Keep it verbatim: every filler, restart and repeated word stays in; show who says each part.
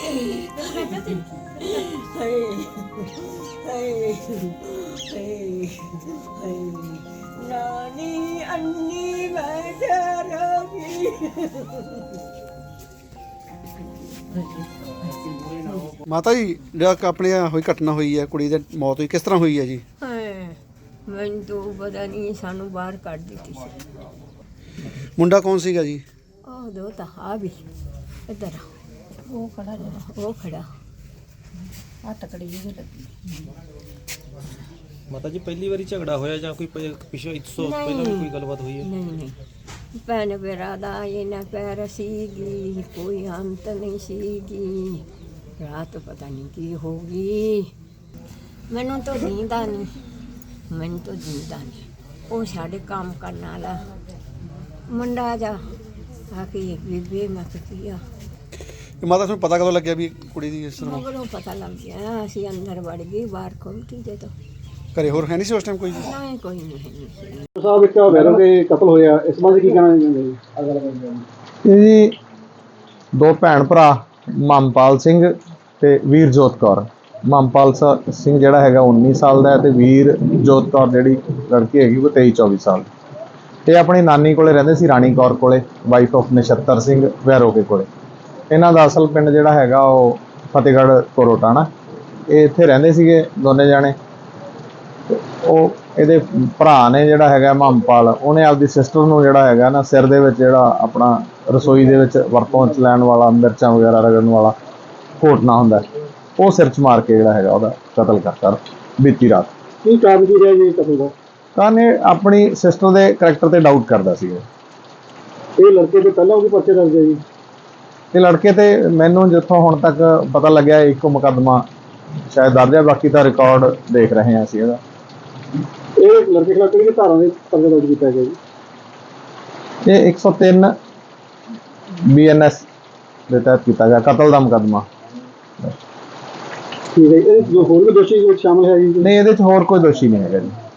Speaker 1: नानी अन्नी
Speaker 2: ਮਾਤਾ ਜੀ ਜਿਹੜਾ ਆਪਣੇ ਹੋਈ ਘਟਨਾ ਹੋਈ ਹੈ ਕੁੜੀ ਦੀ ਮੌਤ ਹੋਈ ਕਿਸ ਤਰ੍ਹਾਂ ਹੋਈ ਹੈ ਜੀ?
Speaker 1: ਮੈਨੂੰ ਤਾਂ ਪਤਾ ਨਹੀਂ, ਸਾਨੂੰ ਬਾਹਰ ਕੱਢ ਦਿੱਤੀ ਸੀ।
Speaker 2: ਮੁੰਡਾ ਕੌਣ ਸੀਗਾ ਜੀ?
Speaker 1: ਉਹ ਦੋ ਤਾਂ ਆ ਵੀ ਇੱਧਰ ਉਹ ਖੜਾ ਜਿਹੜਾ ਉਹ ਖੜਾ ਆ ਤਕੜੀ ਜਿਹੀ ਲੱਗੀ।
Speaker 3: ਮਾਤਾ ਜੀ ਪਹਿਲੀ ਵਾਰੀ ਝਗੜਾ ਹੋਇਆ ਜਾਂ ਕੋਈ ਪ- ਪਿਛਲੇ ਇਸ ਤੋਂ ਪਹਿਲਾਂ ਵੀ ਕੋਈ ਗੱਲਬਾਤ ਹੋਈ ਹੈ?
Speaker 1: ਨਹੀਂ ਨਹੀਂ ਭੈਣ ਮੇਰਾ ਦਾ ਇਹਨਾਂ ਪੈਰ ਸੀਗੀ, ਕੋਈ ਅੰਤ ਨਹੀਂ ਸੀਗੀ। ਰਾਤ ਪਤਾ ਨਹੀਂ ਕੀ ਹੋ ਗਈ, ਮੈਨੂੰ ਤਾਂ ਨੀਂਦਾ ਨਹੀਂ, ਮੈਨੂੰ ਤਾਂ ਨੀਂਦਾ ਨਹੀਂ। ਉਹ ਸਾਡੇ ਕੰਮ ਕਰਨ ਵਾਲਾ ਮੁੰਡਾ ਜਾ ਆ ਕੇ ਬੀਬੀ ਮੈਂ ਕਿਹਾ
Speaker 2: ਇਹ ਮਾਤਾ ਤੁਹਾਨੂੰ ਪਤਾ ਕਦੋਂ ਲੱਗਿਆ ਵੀ ਕੁੜੀ ਦੀ ਇਸ ਤਰ੍ਹਾਂ
Speaker 1: ਮਗਰੋਂ ਪਤਾ ਲੱਗ ਗਿਆ। ਅਸੀਂ ਅੰਦਰ ਵੜ ਗਏ, ਬਾਹਰ ਖੋਲ੍ਹਤੀ ਦੇ ਤੋਂ
Speaker 2: ਘਰੇ ਹੋਰ ਹੈ ਨਹੀਂ ਸੀ ਉਸ ਟਾਈਮ ਕੋਈ ਜੀ?
Speaker 1: ਨਹੀਂ ਕੋਈ ਨਹੀਂ ਹੈ।
Speaker 2: ਸਾਹਿਬ ਇੱਕ ਵੈਰੋ ਦੇ ਕਤਲ ਹੋਇਆ, ਇਸ ਬਾਰੇ ਕੀ ਕਹਿਣਾ ਚਾਹੁੰਦੇ ਜੀ?
Speaker 4: ਇਹ ਜੀ ਦੋ ਭੈਣ ਭਰਾ ਮਮਪਾਲ ਸਿੰਘ ਤੇ ਵੀਰਜੋਤ ਕੌਰ। ਮਮਪਾਲ ਸ- ਸਿੰਘ ਜਿਹੜਾ ਹੈਗਾ ਉੱਨੀ ਸਾਲ ਦਾ ਹੈ ਤੇ ਵੀਰਜੋਤ ਕੌਰ ਜਿਹੜੀ ਲੜਕੀ ਹੈਗੀ ਉਹ ਤੇਈ ਚੌਵੀ ਸਾਲ। ਇਹ ਆਪਣੀ ਨਾਨੀ ਕੋਲੇ ਰਹਿੰਦੇ ਸੀ, ਰਾਣੀ ਕੌਰ ਕੋਲੇ, ਵਾਈਫ ਆਫ ਨਛੱਤਰ ਸਿੰਘ ਵੈਰੋਕੇ ਕੋਲੇ। ਇਹਨਾਂ ਦਾ ਅਸਲ ਪਿੰਡ ਜਿਹੜਾ ਹੈਗਾ ਉਹ ਫਤਿਹਗੜ੍ਹ ਕੋਰੋਟਾਣਾ। ਇਹ ਇੱਥੇ ਰਹਿੰਦੇ ਸੀਗੇ ਦੋਨੇ ਜਾਣੇ। ਉਹ ਇਹਦੇ ਭਰਾ ਨੇ ਜਿਹੜਾ ਹੈਗਾ ਮਮਪਾਲ, ਉਹਨੇ ਆਪਦੀ ਸਿਸਟਰ ਨੂੰ ਜਿਹੜਾ ਹੈਗਾ ਨਾ ਸਿਰ ਦੇ ਵਿੱਚ ਜਿਹੜਾ ਆਪਣਾ ਰਸੋਈ ਦੇ ਵਿੱਚ ਵਰਤੋਂ 'ਚ ਲੈਣ ਵਾਲਾ ਮਿਰਚਾਂ ਵਗੈਰਾ ਰਗੜਨ ਵਾਲਾ ਘੋਟਣਾ ਹੁੰਦਾ, ਉਹ ਸਿਰ 'ਚ ਮਾਰ ਕੇ ਜਿਹੜਾ ਹੈਗਾ ਉਹਦਾ ਕਤਲ ਕਰਤਾ ਬੀਤੀ ਰਾਤ।
Speaker 2: ਕੀ ਕਾਰਨ ਕੀ ਰਿਹਾ ਜੀ ਕਤਲ ਦਾ?
Speaker 4: ਤਾਂ ਇਹ ਆਪਣੀ ਸਿਸਟਰ ਦੇ ਕਰੈਕਟਰ ਤੇ ਡਾਊਟ ਕਰਦਾ ਸੀ।
Speaker 2: ਇਹ ਲੜਕੇ ਤੋਂ ਪਹਿਲਾਂ ਉਹਦੇ ਪਰਚੇ ਦਰਜ ਹੈ ਜੀ?
Speaker 4: ਇਹ ਲੜਕੇ ਤੇ ਮੈਨੂੰ ਜਿੱਥੋਂ ਹੁਣ ਤੱਕ ਪਤਾ ਲੱਗਿਆ ਇੱਕੋ ਮੁਕੱਦਮਾ ਸ਼ਾਇਦ ਦਰਜ ਹੈ, ਬਾਕੀ ਤਾਂ ਰਿਕਾਰਡ ਦੇਖ ਰਹੇ ਹਾਂ ਅਸੀਂ ਇਹਦਾ।
Speaker 2: ਇਹ ਲੜਕੇ ਖਿਲਾਫ ਕਿਹੜੀ ਧਾਰਾ ਦੇ ਪਰਚਾ ਦਰਜ ਕੀਤਾ ਗਿਆ ਜੀ?
Speaker 4: ਇਹ ਇੱਕ ਸੌ ਤਿੰਨ ਬੀ ਐਨ ਐਸ ਦੇ ਤਹਿਤ ਕੀਤਾ ਗਿਆ, ਕਤਲ ਦਾ ਮੁਕੱਦਮਾ।
Speaker 2: ਠੀਕ ਹੈ, ਇਹ ਜੋ ਹੋਰ ਵੀ ਦੋਸ਼ੀ ਵਿੱਚ ਸ਼ਾਮਲ ਹੈ ਜੀ?
Speaker 4: ਨਹੀਂ, ਇਹਦੇ 'ਚ ਹੋਰ ਕੋਈ ਦੋਸ਼ੀ ਨਹੀਂ ਹੈਗਾ ਜੀ।